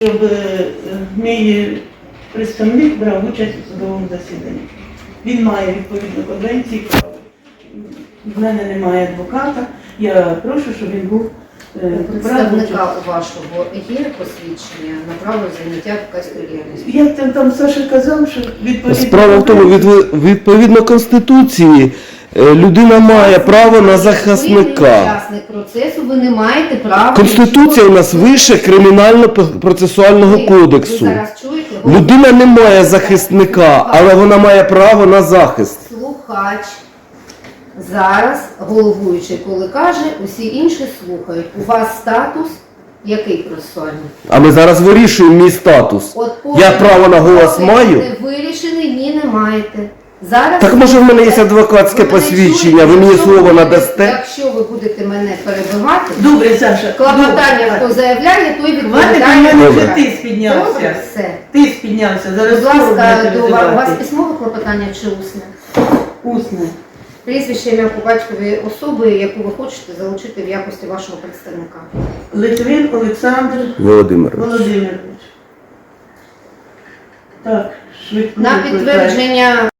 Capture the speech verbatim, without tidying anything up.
Щоб е, мій представник брав участь у судовому засіданні. Він має відповідно конвенції право. В мене немає адвоката. Я прошу, щоб він був У е, представника у вашого є посвідчення на право заняття адвокатської діяльності? Як там, там Саша казав, що відповідно... Справа в тому, від- відповідно Конституції, е, людина має право на Ви не захисника. учасник процесу, ви не маєте права... Конституція у нас вище Кримінально-процесуального Ви- кодексу. Ви зараз чуєте? Людина не має захисника, але вона має право на захист. Слухач. Зараз головуючий, коли каже, усі інші слухають. У вас статус який процесуальний? А ми зараз вирішуємо мій статус. От Я право на голос поки маю? не вирішений, ні, не маєте. Зараз Так може в мене є адвокатське ви мене посвідчення, чуєте? ви мені Якщо слово ви будете- надасте? Якщо ви будете мене перебивати, Добре, Саша. клопотання, добре. хто заявляє, той Хватить, у відповідає. мене вже Добре. ти спіднявся. Добре, все. Ти спіднявся. Зараз Будь ласка, будете до вас, у вас визивати. письмове клопотання чи усне? Усне. Прізвище, ім'я по батькові особи, яку ви хочете залучити в якості вашого представника. Литвин Олександр Володимир. Володимирович. Так, швидко. На викликаю. підтвердження